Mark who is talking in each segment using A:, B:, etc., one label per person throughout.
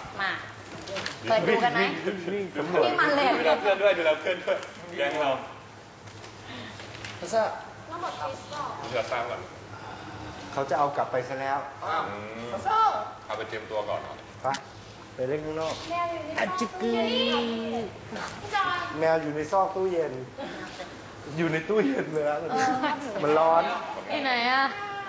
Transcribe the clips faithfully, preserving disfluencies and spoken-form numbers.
A: มาเปิดดูกันไหมนี่มันเลย
B: ดูเราเพื่อนด้วยดูเราเพื่อนด้วยแกงเรา
C: พัซ่า
B: เดือดตามก่อน
C: เขาจะเอากลับไปซะแล้ว
B: อืมเอาไปเตรียมตัวก่อนเนาะ
C: ไปไปเล่นข้างนอกอัจจิกึแมวอยู่ในซอกตู้เย็น อยู่ในตู้เย็นเลยนะมันร้อน
A: ที่ไหนอะ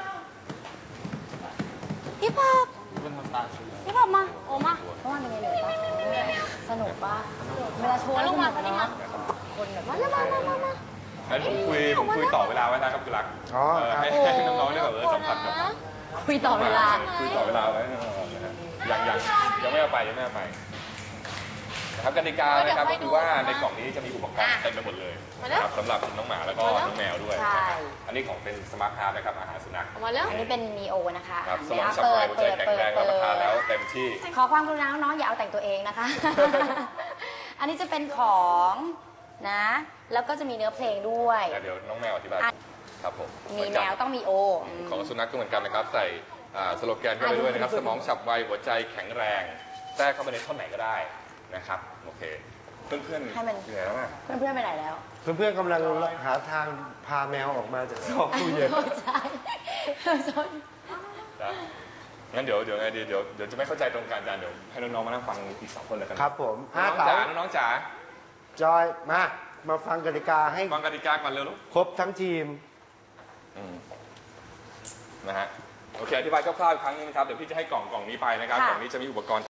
A: พี่ป๊อบพี่ป๊อบมา โอมาเมื่อวานเป็นไงเหนื่อยปะสนุกปะเวลาโชว์แล้วสนุกเนาะคนแบบมาแล้วมามามามา
B: งั้นผมคุยผมคุยต่อเวลาไว้นะครับคุณรัก
C: อ๋อ
B: เออให้ให้น้องๆได้แบบเออสัมผัสกับ
A: คุยต่อเวลา
B: คุยต่อเวลาไว้นะฮะยังยังยังไม่เอาไปยังไม่เอาไปนะครับกติกานะครับก็คือว่าในกล่องนี้จะมีอุปกรณ์เต็มไปหมดเลยนะครับสำหรับน้องหมาแล้วก็น้องแมวด้วยนะครับอันนี้ของเป็นสมาร์ทฮาร์ดนะครับอาหารสุนัข
A: อันนี้เป็นนีโอนะคะ
B: ครับสมองฉับไวหัวใจแข็งแรงรับประทานแล้วเต็มที่
A: ขอความกรุณาน้องๆอย่าเอาแต่งตัวเองนะคะ อันนี้จะเป็นของนะ แล้วก็จะมีเนื้อเพลงด้วย
B: เดี๋ยวน้องแมวอธิบายครับผม
A: มีแมวต้องมีโอ
B: ของสุนัขก็เหมือนกันนะครับใส่สโลแกนเข้าไปด้วยนะครับสมองฉับไวหัวใจแข็งแรงแทรกเข้าไปในท่อนไหนก็ได้นะครับโอเคเพื่อนเพื่อน
A: ให้มัน
B: อยู่ไหนแล้วอ่ะ
A: เพื่อนๆไปไหนแล้ว
C: เพื่อนๆกำลังหาทางพาแมวออกมาจากซอกตู้เย็น
A: ใช่ใช่
B: นะงั้นเดี๋ยวเดี๋ยวไงดีเดี๋ยวเดี๋ยวจะไม่เข้าใจตรงกันอาจารย์เดี๋ยวให้น้องๆมานั่งฟังอีกสองคนเลยกัน
C: ครับผม
B: น้
C: ห้า
B: อง
C: เต๋า
B: จ๋าน้องจ๋า
C: จอย มา มาฟังกติกาให้
B: ฟังกติกาก่อนเร็วลูก
C: ครบทั้งทีม
B: อืมนะฮะโอเคอธิบายคร่าวๆอีกครั้งนึงนะครับเดี๋ยวพี่จะให้กล่องกล่องนี้ไปนะครับกล่องนี้จะมีอุปกรณ์